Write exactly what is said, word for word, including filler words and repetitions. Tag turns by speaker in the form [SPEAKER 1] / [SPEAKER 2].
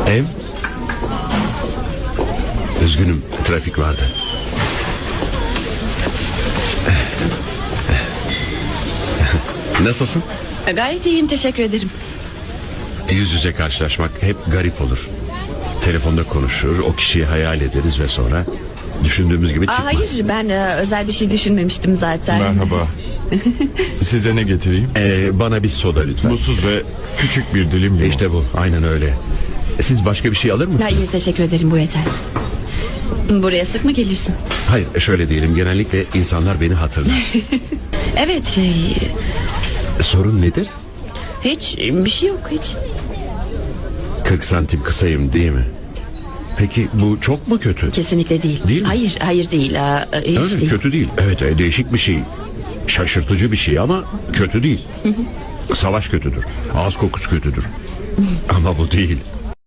[SPEAKER 1] Ev? Üzgünüm, trafik vardı. Nasılsın?
[SPEAKER 2] Gayet iyiyim, teşekkür ederim.
[SPEAKER 1] Yüz yüze karşılaşmak hep garip olur. Telefonda konuşur, o kişiyi hayal ederiz ve sonra düşündüğümüz gibi
[SPEAKER 2] Aa,
[SPEAKER 1] çıkmaz.
[SPEAKER 2] hayır, ben e, özel bir şey düşünmemiştim zaten.
[SPEAKER 3] Merhaba. Size ne getireyim?
[SPEAKER 1] Ee, bana bir soda lütfen.
[SPEAKER 3] Buzsuz ve küçük bir dilim limon.
[SPEAKER 1] İşte bu, aynen öyle. Siz başka bir şey alır mısınız?
[SPEAKER 2] Hayır, teşekkür ederim, bu yeter. Buraya sık mı gelirsin?
[SPEAKER 1] Hayır, şöyle diyelim, genellikle insanlar beni hatırlar.
[SPEAKER 2] Evet, şey...
[SPEAKER 1] Sorun nedir?
[SPEAKER 2] Hiç, bir şey yok hiç.
[SPEAKER 1] kırk santim kısayım değil mi? Peki bu çok mu kötü?
[SPEAKER 2] Kesinlikle değil.
[SPEAKER 1] Değil mi?
[SPEAKER 2] Hayır, hayır değil. Aa, hiç
[SPEAKER 1] Öyle
[SPEAKER 2] değil.
[SPEAKER 1] kötü değil. Evet, e, değişik bir şey. Şaşırtıcı bir şey ama kötü değil. Savaş kötüdür. Ağız kokusu kötüdür. Ama bu değil.